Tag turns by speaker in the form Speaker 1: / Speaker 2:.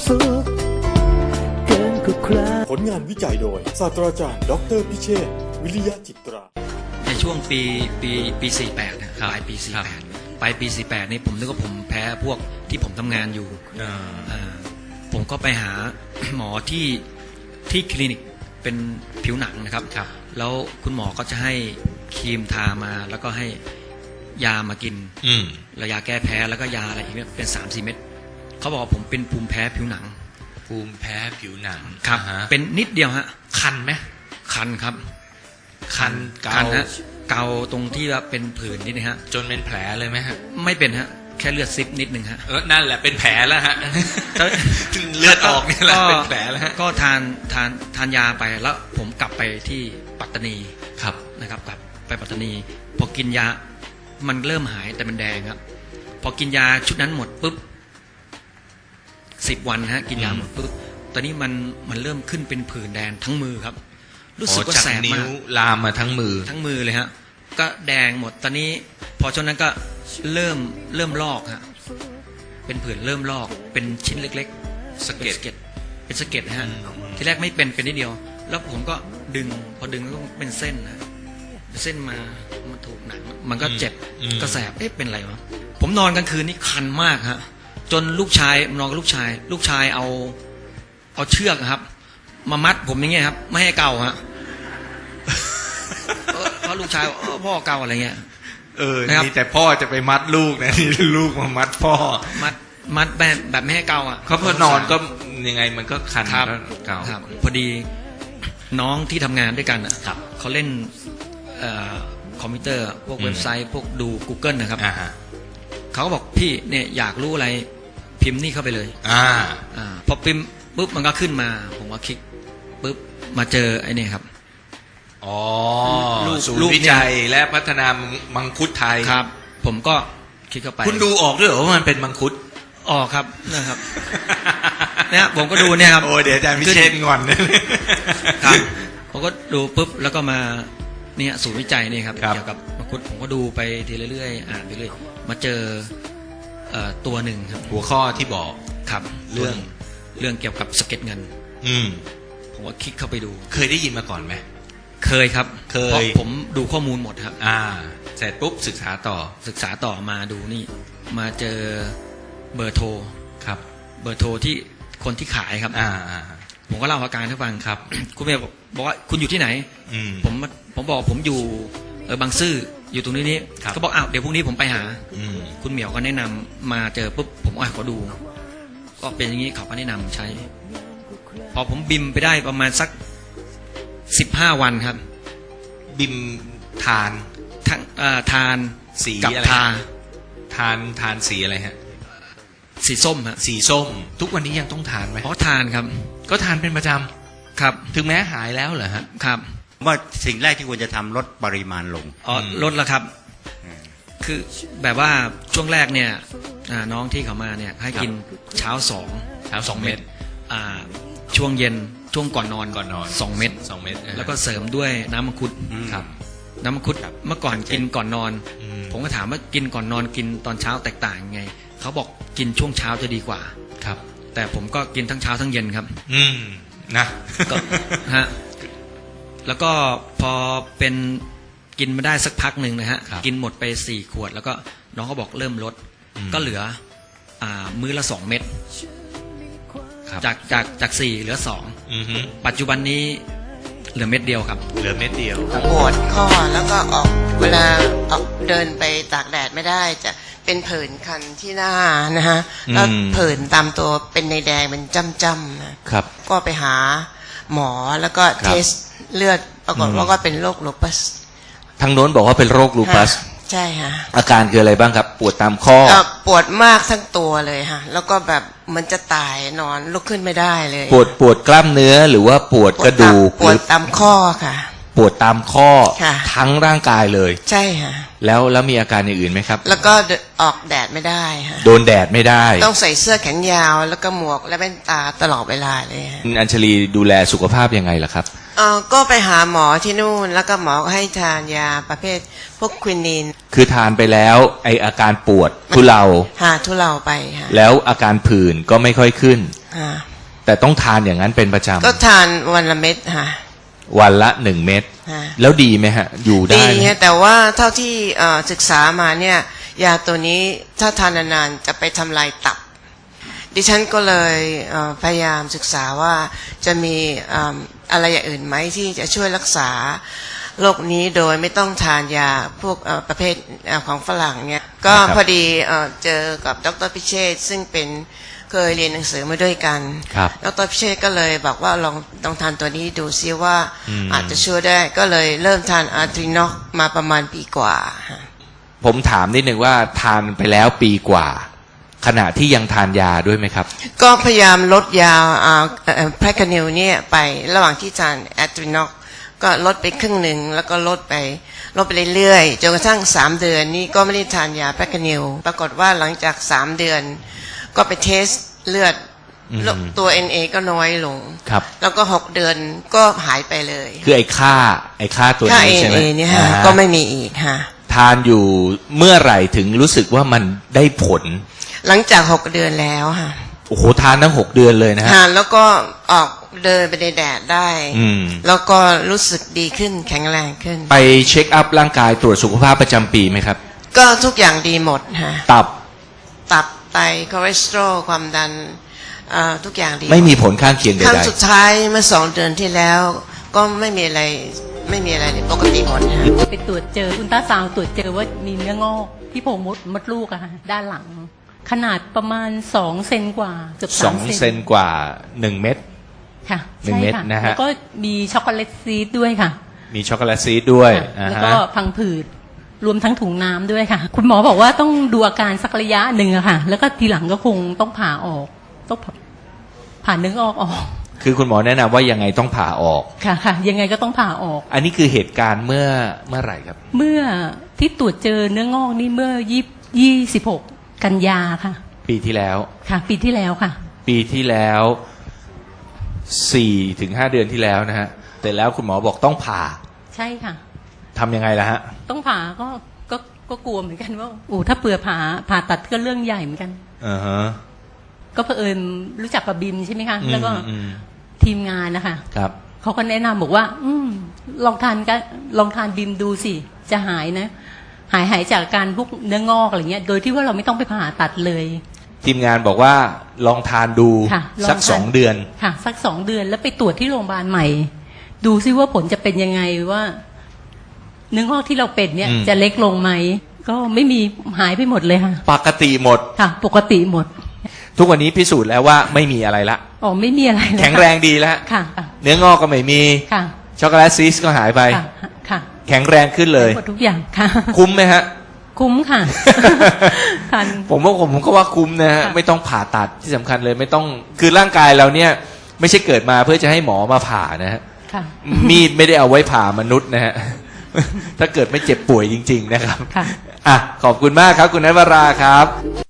Speaker 1: สุขเกินกว่าใคร
Speaker 2: ผลงานวิจัยโดยศาสตราจารย์ดร.พิเชษฐ์วิริยะจิตรา
Speaker 3: ในช่วงปี 48นะปลายปี 48 ปลายปี 48 นี่ผมนึกว่าผมแพ้พวกที่ผมทำงานอยู่ผมก็ไปหา หมอที่คลินิกเป็นผิวหนังนะครับแล้วคุณหมอก็จะให้ครีมทามาแล้วก็ให้ยามากินแล้วยาแก้แพ้แล้วก็ยาอะไรอีกเนี่ยเป็น 3-4 เม็ดเขาบอกว่าผมเป็นภูมิแพ้ผิวหนัง
Speaker 4: ภูมิแพ้ผิวหนัง
Speaker 3: ครับเป็นนิดเดียวฮะ
Speaker 4: คันไหม
Speaker 3: คันครับ
Speaker 4: คันเกา
Speaker 3: ฮะเกาตรงที่ว่าเป็นผื่นนิดนึงฮะ
Speaker 4: จนเป็นแผลเลยไหมฮะ
Speaker 3: ไม่เป็นฮะแค่เลือดซิบนิดนึงฮะ
Speaker 4: นั่นแหละเป็นแผลแล้วฮะเลือดออกนี่แหละเป็นแผลแล้วฮะ
Speaker 3: ก็ทานยาไปแล้วผมกลับไปที่ปัตตานี
Speaker 4: ครับ
Speaker 3: นะครับกลับไปปัตตานีพอกินยามันเริ่มหายแต่มันแดงครับพอกินยาชุดนั้นหมดปุ๊บ10 วันฮะกินยาหมดปุ๊บตอนนี้มันเริ่มขึ้นเป็นผื่นแดงทั้งมือครับรู้สึกว่าแสบมาก
Speaker 4: ลามมาทั้งมือ
Speaker 3: เลยฮะก็แดงหมดตอนนี้พอช่วงนั้นก็เริ่มลอกฮะเป็นผื่นเริ่มลอกเป็นชิ้นเล็กๆสะเก็ดเป็นสะเก็ดฮะทีแรกไม่เป็นนิดเดียวแล้วผมก็ดึงพอดึงก็เป็นเส้นนะเส้นมาถูกหนังมันก็เจ็บก็แสบเป็นอะไรวะผมนอนกลางคืนนี่คันมากฮะจนลูกชายนอนกับลูกชายเอาเชือกครับมามัดผมอย่างเงี้ยครับไม่ให้เกาฮะเพราะลูกชายพ่อเกาอะไรเงี้ย
Speaker 4: นี่แต่พ่อจะไปมัดลูกนะนี่ลูกมามัดพ่อ
Speaker 3: มัดแบบไม่ให้เกาอ่ะ
Speaker 4: เขาพอนอนก็ยังไงมันก็คันเกา
Speaker 3: พอดีน้องที่ทำงานด้วยกันอ่ะเขาเล่นคอมพิวเตอร์พวกเว็บไซต์พวกดู Google นะครับเขาก็บอกพี่เนี่ยอยากรู้อะไรพิมพ์นี่เข้าไปเลยพอพิมพ์ปุ๊บมันก็ขึ้นมาผมก็คลิกปุ๊บมาเจอไอ้นี่ครับ
Speaker 4: ศูนย์วิจัยและพัฒนามังคุดไทย
Speaker 3: ครับผมก็คลิกเข้าไป
Speaker 4: คุณดูออกด้วยเหรอว่ามันเป็นมังคุด
Speaker 3: ออกครับนะครับเนี่ยผมก็ดูเนี่ยครับ
Speaker 4: โอ้เดี๋ยวอาจารย์พิเชษฐ์งอน
Speaker 3: ครับผมก็ดูปุ๊บแล้วก็มาเนี่ยศูนย์วิจัยนี่ครับเกี่ยวกับมังคุดผมก็ดูไปทีเรื่อยๆอ่านไปเรื่อยมาเจอตัวหนึ่งครับ
Speaker 4: หัวข้อที่บอก
Speaker 3: ครับเรื่องเกี่ยวกับสะเก็ดเงินผมก็คลิกเข้าไปดู
Speaker 4: เคยได้ยินมาก่อนไหม
Speaker 3: เคยครับเพราะผมดูข้อมูลหมดครับ
Speaker 4: เสร็จปุ๊บศึกษาต่อ
Speaker 3: มาดูนี่มาเจอเบอร์โทร
Speaker 4: ครับ
Speaker 3: เบอร์โทรที่คนที่ขายครับผมก็เล่าอาการให้ฟังครับคุณเมย์บอกว่าคุณอยู่ที่ไหนผมบอกผมอยู่บางซื่ออยู่ตรงนี้เขาบอกอ้าวเดี๋ยวพรุ่งนี้ผมไปหาคุณเหมียวก็แนะนำมาเจอปุ๊บผมขอดูก็เป็นอย่างนี้เขาก็แนะนำใช้พอผมบิมไปได้ประมาณสัก15 วันครับ
Speaker 4: บิมทาน
Speaker 3: สีกับ
Speaker 4: ทานสีอะไรฮะ
Speaker 3: สีส้มฮะ
Speaker 4: สีส้มทุกวันนี้ยังต้องทานไหม
Speaker 3: ทานครับ
Speaker 4: ก็ทานเป็นประจำครับถึงแม้หายแล้วเหรอฮะ
Speaker 3: ครับ
Speaker 5: ว่าสิ่งแรกที่ควรจะทำลดปริมาณลง
Speaker 3: ลดแล้วครับคือแบบว่าช่วงแรกเนี่ยน้องที่เขามาเนี่ยให้กินเช้า2 เม็ดช่วงเย็นช่วงก่อนนอน2 เม็ดแล้วก็เสริมด้วยน้ำมังคุด
Speaker 4: ครับ
Speaker 3: น้ำมังคุดเมื่อก่อนกินก่อนนอนผมก็ถามว่ากินก่อนนอนกินตอนเช้าแตกต่างยังไงเขาบอกกินช่วงเช้าจะดีกว่า
Speaker 4: ครับ
Speaker 3: แต่ผมก็กินทั้งเช้าทั้งเย็นครับ
Speaker 4: นะ
Speaker 3: ก็ฮะแล้วก็พอเป็นกินมาได้สักพักหนึ่งนะฮะกินหมดไป4 ขวดแล้วก็น้องเขาบอกเริ่มลดก็เหลือมื้อละ2 เม็ดจาก4เหลือ2ปัจจุบันนี้เหลือเม็ดเดียวครับ
Speaker 4: เหลือเม็ดเดียว
Speaker 6: ปวดข้อแล้วก็เวลาออกเดินไปตากแดดไม่ได้จะเป็นผื่นคันที่หน้านะฮะแล้วผื่นตามตัวเป็นในแดงเป็นจ้ำๆนะครับก็ไปหาหมอแล้วก็เทสเลือดปรากฏว่าก็เป็นโรคลูปัส
Speaker 4: ทางโน้นบอกว่าเป็นโรคลูปัส
Speaker 6: ใช่ค่ะ
Speaker 4: อาการคืออะไรบ้างครับปวดตามข้อ
Speaker 6: ปวดมากทั้งตัวเลยค่ะแล้วก็แบบมันจะตายนอนลุกขึ้นไม่ได้เลย
Speaker 4: ปวดกล้ามเนื้อหรือว่าปวดกระดูก
Speaker 6: ปวดตามข้อค่ะ
Speaker 4: ปวดตามข้อทั้งร่างกายเลย
Speaker 6: ใช่ค่ะ
Speaker 4: แล้วมีอาการอย่างอื่นไหมครับ
Speaker 6: แล้วก็ออกแดดไม่ได้ค่ะ
Speaker 4: โดนแดดไม่ได้
Speaker 6: ต้องใส่เสื้อแขนยาวแล้วก็หมวกและแว่นตาตลอดเวลาเลย
Speaker 4: อัญชลีดูแลสุขภาพยังไงล่ะครับ
Speaker 6: ก็ไปหาหมอที่นู่นแล้วก็หมอให้ทานยาประเภทพวกควินีน
Speaker 4: คือทานไปแล้วอาการปวดทุเลา
Speaker 6: ทุเลาไปค่ะ
Speaker 4: แล้วอาการผื่นก็ไม่ค่อยขึ้น
Speaker 6: ค่ะ
Speaker 4: แต่ต้องทานอย่างนั้นเป็นประจ
Speaker 6: ก็ทานวันละเม็ดค่ะ
Speaker 4: ำวันละ1 เม็ด
Speaker 6: ค่ะ
Speaker 4: แล้วดีไหมฮะ อยู่ได้
Speaker 6: ดี
Speaker 4: ไหม
Speaker 6: ฮะแต่ว่าเท่าที่ศึกษามาเนี่ยยาตัวนี้ถ้าทานนานๆจะไปทำลายตับ ดิฉันก็เลยพยายามศึกษาว่าจะมีอะไรอย่างอื่นไหมที่จะช่วยรักษาโรคนี้โดยไม่ต้องทานยาพวกประเภทของฝรั่งเนี่ยก็พอดีเจอกับดร.พิเชษฐ์ซึ่งเป็นเคยเรียนหนังสือมาด้วยกัน
Speaker 4: ครับ
Speaker 6: ดร.พิเชษฐ์ก็เลยบอกว่าลองทานตัวนี้ดูซิว่าอาจจะช่วยได้ก็เลยเริ่มทานอาร์ทรินอกมาประมาณปีกว่า
Speaker 4: ผมถามนิดนึงว่าทานไปแล้วปีกว่า ขณะที่ยังทานยาด้วยไหมครับ
Speaker 6: ก็พยายามลดยาแพรคานิลเนี่ยไประหว่างที่ทานแอตรินอกก็ลดไปครึ่งหนึ่งแล้วก็ลดไปเรื่อยๆจนกระทั่ง3 เดือนนี้ก็ไม่ได้ทานยาแพรคานิลปรากฏว่าหลังจาก3 เดือนก็ไปเทสเลือดตัว NA ก็น้อยลง
Speaker 4: ครับ
Speaker 6: แล้วก็6 เดือนก็หายไปเลย
Speaker 4: คือไอ้ค่าตัว
Speaker 6: ค่า
Speaker 4: นี้ใช่ไหม
Speaker 6: NA เนี่ยฮะ
Speaker 4: อ่า
Speaker 6: ก็ไม่มีอีกฮะ
Speaker 4: ทานอยู่เมื่อไหร่ถึงรู้สึกว่ามันได้ผล
Speaker 6: หลังจาก6 เดือนแล้วฮะ
Speaker 4: โอ้โหทานทั้ง6 เดือนเลยนะฮะ
Speaker 6: ทานแล้วก็ออกเดินไปในแดดได้
Speaker 4: อืม
Speaker 6: แล้วก็รู้สึกดีขึ้นแข็งแรงขึ้น
Speaker 4: ไปเช็คอัพร่างกายตรวจสุขภาพประจำปีไหมครับ
Speaker 6: ก็ทุกอย่างดีหมดฮะ
Speaker 4: ตับ
Speaker 6: ตับไตคอเลสเตอรอลความดันทุกอย่างดี
Speaker 4: ไม่มีผลข้างเคียงใด
Speaker 6: ครั้งสุดท้ายเมื่อ2 เดือนที่แล้ว ก็ไม่มีอะไรเลยปกติหมดฮะ
Speaker 7: ไปตรวจเจออุลตราซาวด์ตรวจเจอว่ามีเนื้องอกที่โพรงมดลูกอะค่ะด้านหลัง ขนาดประมาณ2 เซนกว่าเกือบ
Speaker 4: ๆ 2 เซนกว่า 1 เม็ด
Speaker 7: ค่ะ
Speaker 4: หนึ่ง
Speaker 7: ใช่
Speaker 4: เม็ด
Speaker 7: ค่ะ
Speaker 4: นะฮะ
Speaker 7: แล้วก็มีช็อกโกแลตซีดด้วยค่ะ
Speaker 4: มีช็อกโกแลตซีดด้วย
Speaker 7: ค่ะ
Speaker 4: อ่า
Speaker 7: แล้ว
Speaker 4: ฮะ
Speaker 7: ก็พังผืดรวมทั้งถุงน้ำด้วยค่ะ คุณหมอบอกว่าต้องดูอาการสักระยะหนึ่งอะค่ะ แล้วก็ทีหลังก็คงต้องผ่าออกต้องผ่าเนื้องอกออก
Speaker 4: คือคุณหมอแนะนำว่ายังไงต้องผ่าออก
Speaker 7: ค่ะค่ะ ยังไงก็ต้องผ่าออก
Speaker 4: อันนี้คือเหตุการณ์เมื่อไหร่ครับ
Speaker 7: เมื่อที่ตรวจเจอเนื้องอกนี่เมื่อ26 กันยาค่ะ
Speaker 4: ปีที่แล้ว
Speaker 7: ค่ะ ปีที่แล้วค่ะ
Speaker 4: ปีที่แล้ว4 ถึง 5 เดือนที่แล้วนะฮะแต่แล้วคุณหมอบอกต้องผ่า
Speaker 7: ใช่ค่ะ
Speaker 4: ทำยังไงล่ะฮะ
Speaker 7: ต้องผ่าก็กลัวเหมือนกันว่าถ้าเผื่อผ่าตัดก็เรื่องใหญ่เหมือนกัน
Speaker 4: อ่าฮะ
Speaker 7: ก็เผอิญรู้จักกับบิมใช่ไหมคะ แล้วก็
Speaker 4: อืม
Speaker 7: ทีมงานนะคะ
Speaker 4: ครับ
Speaker 7: เขาก็แนะนำบอกว่า ลองทานบิมดูสิจะหายนะ หายจากการพวกเนื้องอกอะไรเงี้ย โดยที่ว่าเราไม่ต้องไปผ่าตัดเลย
Speaker 4: ทีมงานบอกว่าลองทานดู
Speaker 7: ค่ะลอง
Speaker 4: สัก
Speaker 7: ทาน
Speaker 4: 2 เดือน
Speaker 7: ค่ะ สัก2 เดือนแล้วไปตรวจที่โรงพยาบาลใหม่ ดูซิว่าผลจะเป็นยังไงว่า เนื้องอกที่เราเป็นเนี่ย
Speaker 4: อืม
Speaker 7: จะเล็กลงไหมก็ไม่มีหายไปหมดเลยค่ะ
Speaker 4: ปกติหมด
Speaker 7: ค่ะ ปกติหมด
Speaker 4: ทุกวันนี้พิสูจน์แล้วว่าไม่มีอะไรละ
Speaker 7: อ๋อไม่มีอะไรเลย
Speaker 4: แข็งแรงดีแล้ว
Speaker 7: ค่ะค่ะ
Speaker 4: เนื้องอกก็ไม่มี
Speaker 7: ค่ะ
Speaker 4: ช็อกโกแลตซีสก็หายไป
Speaker 7: ค่ะค่ะ
Speaker 4: แข็งแรงขึ้นเลย
Speaker 7: หมดทุกอย่างค่ะ
Speaker 4: คุ้มไหมฮะ
Speaker 7: คุ้มค่ะทาน
Speaker 4: ผมก็ว่าคุ้มนะฮะ
Speaker 7: ค่ะ
Speaker 4: ไม่ต้องผ่าตัดที่สำคัญเลยไม่ต้องคือร่างกายเราเนี่ย ไม่ใช่เกิดมาเพื่อจะให้หมอมาผ่านะฮะ
Speaker 7: ค่ะ
Speaker 4: มีดไม่ได้เอาไว้ผ่ามนุษย์นะฮะ ถ้าเกิดไม่เจ็บป่วยจริง ๆ นะครับ
Speaker 7: ค่ะ
Speaker 4: อ่ะขอบคุณมากครับ คุณนัทวราครับ